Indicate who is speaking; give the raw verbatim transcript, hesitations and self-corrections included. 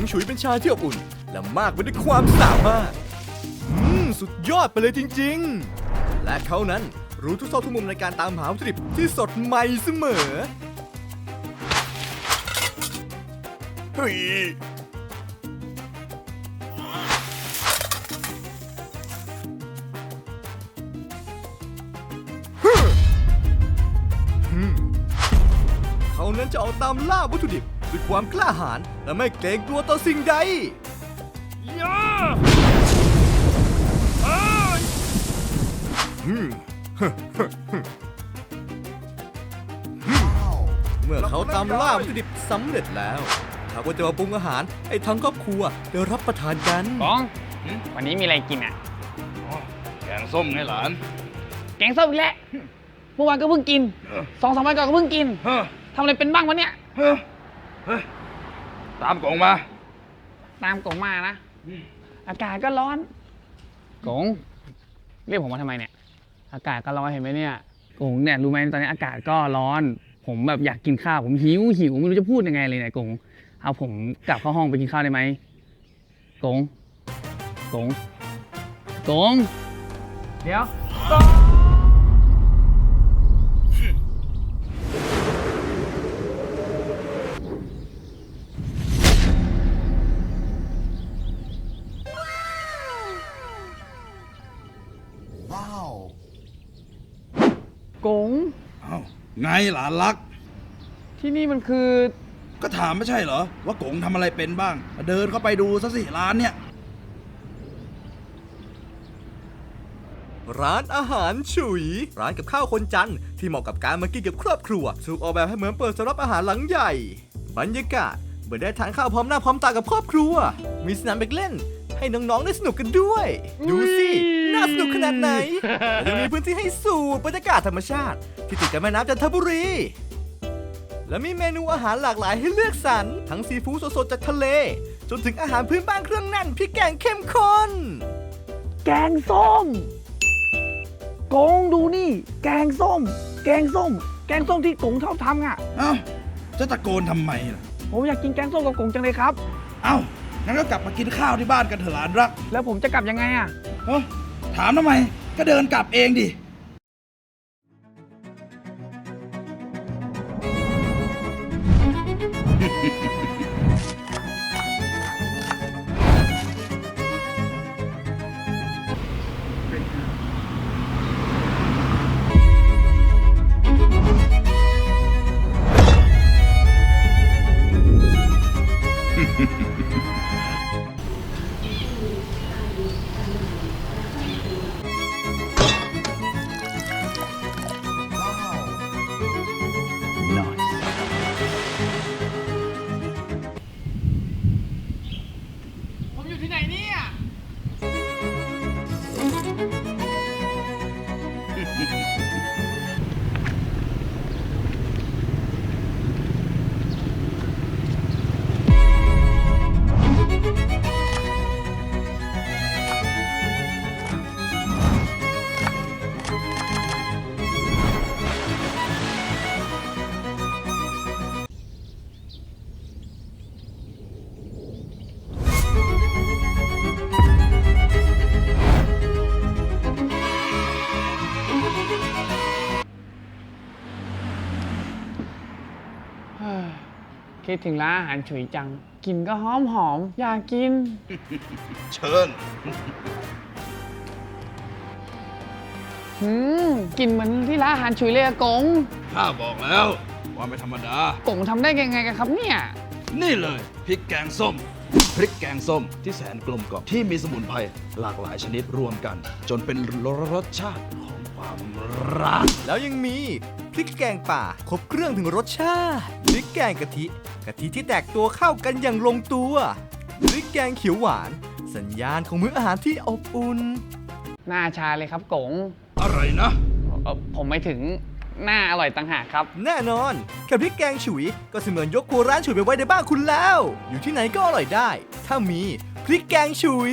Speaker 1: ฉุยเป็นชายที่อบอุ่นและมากไปด้วยความสามารถอืมสุดยอดไปเลยจริงๆและเขานั้นรู้ทุกซอกทุกมุมในการตามหาวัตถุดิบที่สดใหม่เสมอเฮ้ยเขานั้นจะออกตามล่าวัตถุดิบด้วยความกล้าหาญและไม่เกรงกลัวต่อสิ่งใดย่าเมื่อเขาตามล่าวัตถุดิบสำเร็จแล้วเขาก็จะมาปรุงอาหารให้ทั้งครอบครัวได้รับประทานกัน
Speaker 2: บ้องวันนี้มีอะไรกินอ่ะ
Speaker 3: แกงส้มไงหลาน
Speaker 2: แกงส้มอีกแล้วเมื่อวานก็เพิ่งกินสองสามวันก่อนก็เพิ่งกินทำอะไรเป็นบ้างวะเนี่ย
Speaker 3: ตามกล่องมา
Speaker 2: ตามกงมานะอากาศก็ร้อนกงเรียกผมมาทำไมเนี่ยอากาศก็ร้อนเห็นไหมเนี่ยกงเนี่ยรู้ไหมตอนนี้อากาศก็ร้อน ผมแบบอยากกินข้าวผมหิวหิวไม่รู้จะพูดยังไงเลยเนี่ยกงเอาผมกลับเข้าห้องไปกินข้าวได้ไหมกงกงกงเดี๋ยวกง
Speaker 3: เอ้าไงหลานรัก
Speaker 2: ที่นี่มันคือ
Speaker 3: ก็ถามไม่ใช่เหรอว่ากงทำอะไรเป็นบ้างเดินเข้าไปดูซะสิร้านเนี่ย
Speaker 1: ร้านอาหารฉุยร้านกับข้าวคนจันทร์ที่เหมาะกับการมากินกับครอบครัวถูกออกแบบให้เหมือนเปิดสำหรับอาหารหลังใหญ่บรรยากาศเหมือนได้ทานข้าวพร้อมหน้าพร้อมตากับครอบครัวมีสนามเด็กเล่นให้น้องๆได้สนุกกันด้วยดูสิน่าสนุกขนาดไหนยังมีพื้นที่ให้สูดบรรยากาศธรรมชาติที่ติดกับแม่น้ำจันทบุรีและมีเมนูอาหารหลากหลายให้เลือกสรรทั้งซีฟู้ดสดๆจากทะเลจนถึงอาหารพื้นบ้านเครื่องแน่นพริกแกงเข้มข้น
Speaker 2: แกงส้มกงดูนี่ แกงส้ม แกงส้ม แกงส้มที่กงชอบทำอ่ะ
Speaker 3: เอ้าจะตะโกนทำไมล่ะ
Speaker 2: ผมอยากกินแกงส้มกับกงจังเลยครับ
Speaker 3: เอ้างั้นก็กลับมากินข้าวที่บ้านกันเถอะหลานรัก
Speaker 2: แล้วผมจะกลับยังไงอ่ะ
Speaker 3: เฮ้ยถามทำไมก็เดินกลับเองดิ
Speaker 2: ผมอยู่ที่ไหนเนี่ย คิดถึงร้านอาหารฉุยจัง กินก็หอมหอมอยากกิน
Speaker 3: เชิญ
Speaker 2: หืมกลินเหมือนที่ร้านอาหารฉุยเลยอะกง
Speaker 3: ข้าบอกแล้วว่าไม่ธรรมดา
Speaker 2: กงทำได้ยังไงกันครับเนี่ย
Speaker 3: นี่เลยพริกแกงส้ม พริกแกงส้มที่แสนกลมกล่อมที่มีสมุนไพรหลากหลายชนิดรวมกัน จนเป็นรสชาติของความรัก
Speaker 1: แล้วยังมีพริกแกงป่าครบเครื่องถึงรสชาติพริกแกงกะทิกะทิที่แตกตัวเข้ากันอย่างลงตัวพริกแกงเขียวหวานสัญญาณของมื้ออาหารที่อบอุ่น
Speaker 2: หน้าชาเลยครับกง
Speaker 3: อะไรนะ
Speaker 2: เอ่อผมไม่ถึงหน้าอร่อยต่างหากครับ
Speaker 1: แน่นอนแค่พริกแกงฉุยก็เสมือนยกครัวร้านฉุยไปไว้ในบ้านคุณแล้ว อยู่ที่ไหนก็อร่อยได้ ถ้ามีพริกแกงฉุย